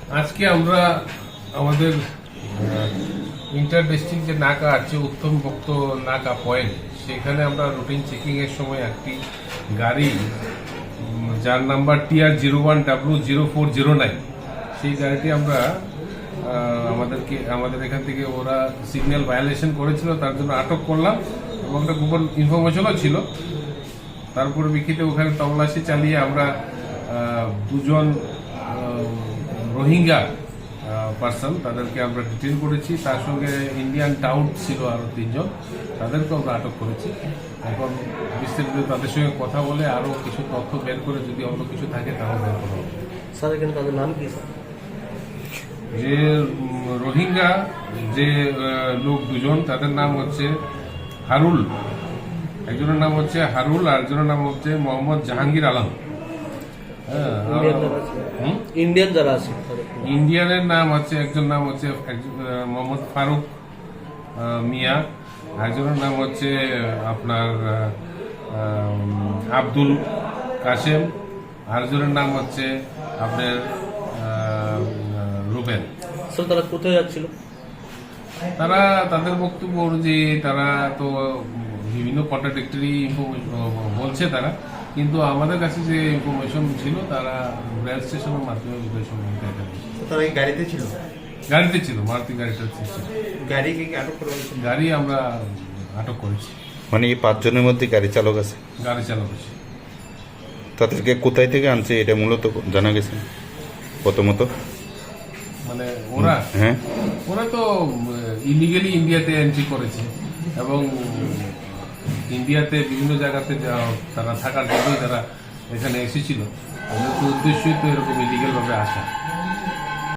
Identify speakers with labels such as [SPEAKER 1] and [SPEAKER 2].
[SPEAKER 1] আজকে আমরা আমাদের ইন্টার ডিস্ট্রিক্ট যে নাকা আছে উত্তম ভক্ত নাকা পয়েন্ট, সেখানে আমরা রুটিন চেকিং এর সময় একটি গাড়ি যার নাম্বার TR01W0409, সেই গাড়িটি আমরা আমাদের এখান থেকে ওরা সিগন্যাল ভায়োলেশন করেছিল, তার জন্য আটক করলাম এবং একটা গোপন ইনফরমেশনও ছিল। তারপরে বিক্ষিতে ওখানে তল্লাশি চালিয়ে আমরা দুজন রোহিঙ্গা পার্সন তাদেরকে আমরা ডিটেন করেছি, তার সঙ্গে ইন্ডিয়ান টাউট ছিল আরও 3 জন, তাদেরকে আমরা আটক করেছি। এখন বিস্তারিত তাদের সঙ্গে কথা বলে আরও কিছু তথ্য বের করে যদি অন্য কিছু থাকে তাহলে বের করা হবে।
[SPEAKER 2] স্যার এখানে তাদের নাম কি স্যার?
[SPEAKER 1] যে রোহিঙ্গা যে লোক দুজন, তাদের নাম হচ্ছে হারুল, একজনের নাম হচ্ছে হারুল আর একজনের নাম হচ্ছে মোহাম্মদ জাহাঙ্গীর আলম।
[SPEAKER 2] ইন্ডিয়ান যারা আছে
[SPEAKER 1] ইন্ডিয়ানের নাম হচ্ছে একজন নাম হচ্ছে মোহাম্মদ ফারুক মিয়া, একজনের নাম হচ্ছে আপনার আব্দুল কাশেম, আরেকজনের নাম হচ্ছে আপনার রুবেল।
[SPEAKER 2] স্যার তারা কোথায় যাচ্ছিল?
[SPEAKER 1] তারা তাদের বক্তব্য অনুযায়ী তারা তো বিভিন্ন কন্ট্রাডিক্টরি বলছে তারা, কিন্তু আমাদের কাছে যে ইনফরমেশন ছিল তারা রেল স্টেশনের মাধ্যমে উদয় সম্বন্ধে
[SPEAKER 3] তারা এই গাড়িতে ছিল?
[SPEAKER 1] গাড়িতে ছিল, মারুতি গাড়িটা ছিল।
[SPEAKER 3] গাড়িকে কি আটক করা হয়েছে?
[SPEAKER 1] গাড়ি আমরা আটক করেছি।
[SPEAKER 4] মানে এই 5 জনের মধ্যে গাড়ি চালক আছে?
[SPEAKER 1] গাড়ি চালক আছে।
[SPEAKER 4] তাদেরকে কোথায় থেকে আনছে এটা মূলত জানা গেছে প্রথমত?
[SPEAKER 1] মানে ওরা
[SPEAKER 4] হ্যাঁ,
[SPEAKER 1] ওরা তো ইলিগালি ইন্ডিয়াতে এন্ট্রি করেছে এবং ইন্ডিয়াতে বিভিন্ন জায়গাতে তারা থাকার জন্যই তারা এখানে এসেছিল। আমাদের তো উদ্দেশ্যই তো এরকম ইলিগাল ভাবে আসা।